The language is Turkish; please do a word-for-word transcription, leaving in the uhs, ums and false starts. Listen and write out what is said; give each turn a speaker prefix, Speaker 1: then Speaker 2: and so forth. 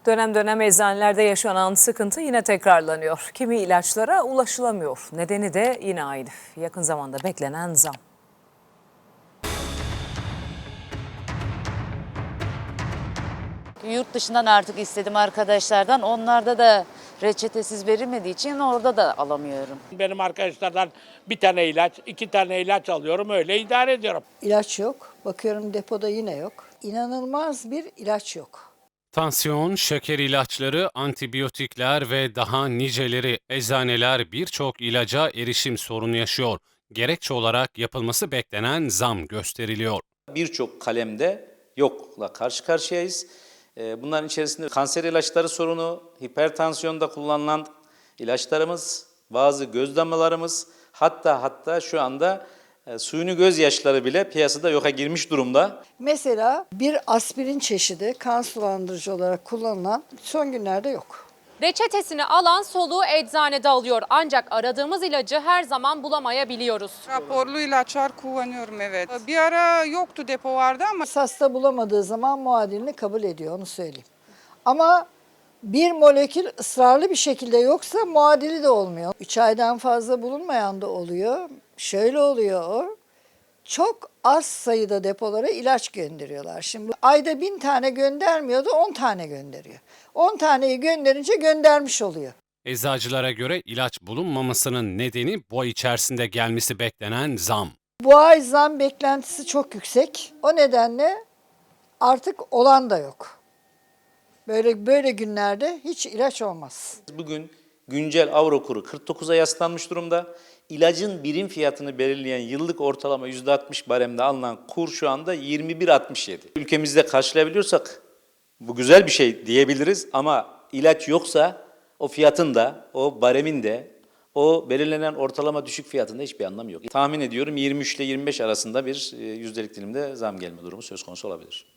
Speaker 1: Dönem dönem eczanelerde yaşanan sıkıntı yine tekrarlanıyor. Kimi ilaçlara ulaşılamıyor. Nedeni de yine aynı. Yakın zamanda beklenen zam.
Speaker 2: Yurt dışından artık istedim arkadaşlardan. Onlarda da reçetesiz verilmediği için orada da alamıyorum.
Speaker 3: Benim arkadaşlardan bir tane ilaç, iki tane ilaç alıyorum, öyle idare ediyorum.
Speaker 4: İlaç yok. Bakıyorum depoda yine yok. İnanılmaz bir ilaç yok.
Speaker 5: Tansiyon, şeker ilaçları, antibiyotikler ve daha niceleri eczaneler birçok ilaca erişim sorunu yaşıyor. Gerekçe olarak yapılması beklenen zam gösteriliyor.
Speaker 6: Birçok kalemde yokla karşı karşıyayız. Bunların içerisinde kanser ilaçları sorunu, hipertansiyonda kullanılan ilaçlarımız, bazı göz damlalarımız, hatta hatta şu anda suyunu gözyaşları bile piyasada yoka girmiş durumda.
Speaker 4: Mesela bir aspirin çeşidi kan sulandırıcı olarak kullanılan son günlerde yok.
Speaker 7: Reçetesini alan soluğu eczanede alıyor ancak aradığımız ilacı her zaman bulamayabiliyoruz.
Speaker 8: Raporlu ilaçlar kullanıyorum, evet. Bir ara yoktu, depo vardı ama
Speaker 4: Hasta bulamadığı zaman muadilini kabul ediyor, onu söyleyeyim. Ama bir molekül ısrarlı bir şekilde yoksa muadili de olmuyor. üç aydan fazla bulunmayan da oluyor. Şöyle oluyor o. Çok az sayıda depolara ilaç gönderiyorlar. Şimdi ayda bin tane göndermiyordu, on tane gönderiyor. on taneyi gönderince göndermiş oluyor.
Speaker 5: Eczacılara göre ilaç bulunmamasının nedeni bu ay içerisinde gelmesi beklenen zam.
Speaker 4: Bu ay zam beklentisi çok yüksek. O nedenle artık olan da yok. Böyle böyle günlerde hiç ilaç olmaz.
Speaker 6: Bugün güncel avro kuru kırk dokuza yaslanmış durumda. İlacın birim fiyatını belirleyen yıllık ortalama yüzde altmış baremde alınan kur şu anda yirmi bir altmış yedi. Ülkemizde karşılayabiliyorsak bu güzel bir şey diyebiliriz ama ilaç yoksa o fiyatın da, o baremin de, o belirlenen ortalama düşük fiyatında hiçbir anlamı yok. Tahmin ediyorum yirmi üç ile yirmi beş arasında bir yüzdelik dilimde zam gelme durumu söz konusu olabilir.